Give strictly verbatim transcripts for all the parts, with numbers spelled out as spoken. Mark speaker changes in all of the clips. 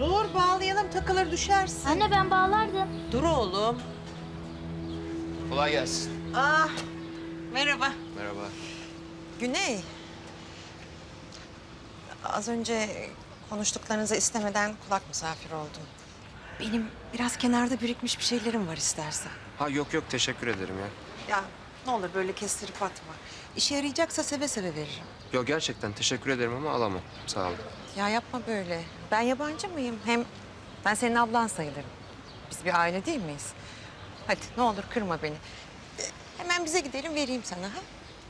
Speaker 1: Dur bağlayalım, takılır düşersin.
Speaker 2: Anne ben bağlardım.
Speaker 1: Dur oğlum.
Speaker 3: Kolay gelsin.
Speaker 1: Ah, merhaba.
Speaker 3: Merhaba.
Speaker 4: Güney. Az önce konuştuklarınızı istemeden kulak misafir oldum. Benim biraz kenarda birikmiş bir şeylerim var istersen.
Speaker 3: Ha yok yok teşekkür ederim ya.
Speaker 4: Ya ne olur böyle kestirip atma. İşe yarayacaksa seve seve veririm.
Speaker 3: Yok gerçekten teşekkür ederim ama alamam. Sağ olun.
Speaker 4: Ya yapma böyle. Ben yabancı mıyım? Hem ben senin ablan sayılırım. Biz bir aile değil miyiz? Hadi ne olur kırma beni. Ee, Hemen bize gidelim vereyim sana ha.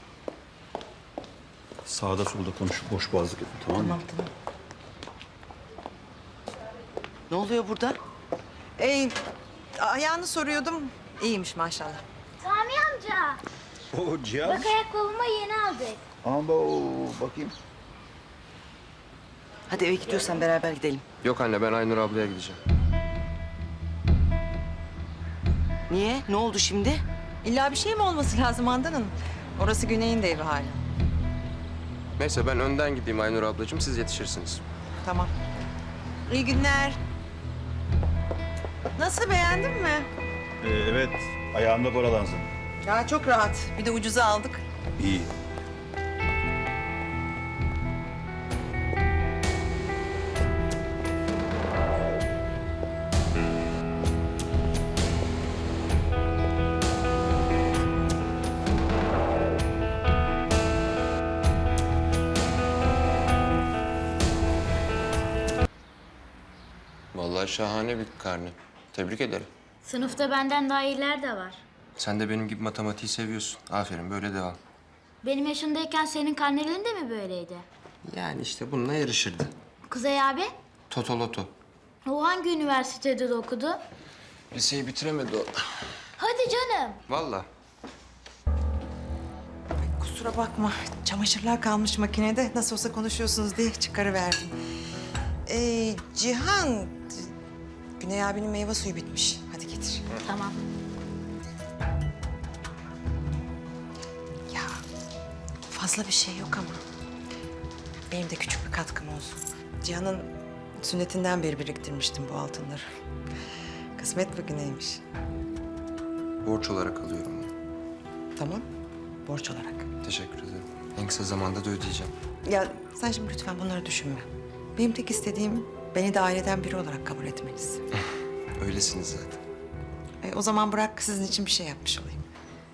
Speaker 5: Sağda solda konuşup boş boğazlık etme, tamam mı?
Speaker 4: Tamam tamam.
Speaker 1: Ne oluyor burada?
Speaker 4: Ee, ayağını soruyordum. İyiymiş maşallah.
Speaker 2: Sami amca.
Speaker 5: Oo Cihan.
Speaker 2: Bak ayakkabımı yeni aldık.
Speaker 5: Amba bakayım.
Speaker 1: Hadi eve gidiyorsan beraber gidelim.
Speaker 3: Yok anne ben Aynur ablaya gideceğim.
Speaker 1: Niye? Ne oldu şimdi?
Speaker 4: İlla bir şey mi olması lazım Handan Hanım? Orası Güney'in de evi hala.
Speaker 3: Neyse ben önden gideyim Aynur ablacığım siz yetişirsiniz.
Speaker 4: Tamam. İyi günler. Nasıl, beğendin mi?
Speaker 5: Ee, evet, ayağımda boralansın.
Speaker 4: Ya çok rahat. Bir de ucuza aldık.
Speaker 5: İyi.
Speaker 3: Vallahi şahane bir karne. Tebrik ederim.
Speaker 2: Sınıfta benden daha iyiler de var.
Speaker 3: Sen de benim gibi matematiği seviyorsun. Aferin böyle devam.
Speaker 2: Benim yaşındayken senin karnelerin de mi böyleydi?
Speaker 3: Yani işte bununla yarışırdı.
Speaker 2: Kuzey abi,
Speaker 3: Totoloto.
Speaker 2: o hangi üniversitede de okudu?
Speaker 3: Liseyi bitiremedi o.
Speaker 2: Hadi canım.
Speaker 3: Vallahi.
Speaker 4: Kusura bakma. Çamaşırlar kalmış makinede. Nasıl olsa konuşuyorsunuz diye çıkarıverdim. Ee, Cihan, Güney abinin meyve suyu bitmiş. Hadi getir.
Speaker 2: Tamam.
Speaker 4: Ya fazla bir şey yok ama benim de küçük bir katkım olsun. Cihan'ın sünnetinden beri biriktirmiştim bu altınları. Kısmet bugüneymiş.
Speaker 3: Borç olarak alıyorum bunu.
Speaker 4: Tamam, borç olarak.
Speaker 3: Teşekkür ederim. En kısa zamanda da ödeyeceğim.
Speaker 4: Ya sen şimdi lütfen bunları düşünme. Benim tek istediğim beni de aileden biri olarak kabul etmeniz.
Speaker 3: Öylesiniz zaten.
Speaker 4: E, o zaman bırak sizin için bir şey yapmış olayım.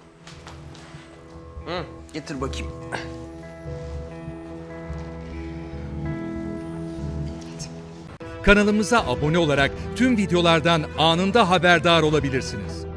Speaker 3: Hı, getir bakayım.
Speaker 6: Kanalımıza abone olarak tüm videolardan anında haberdar olabilirsiniz.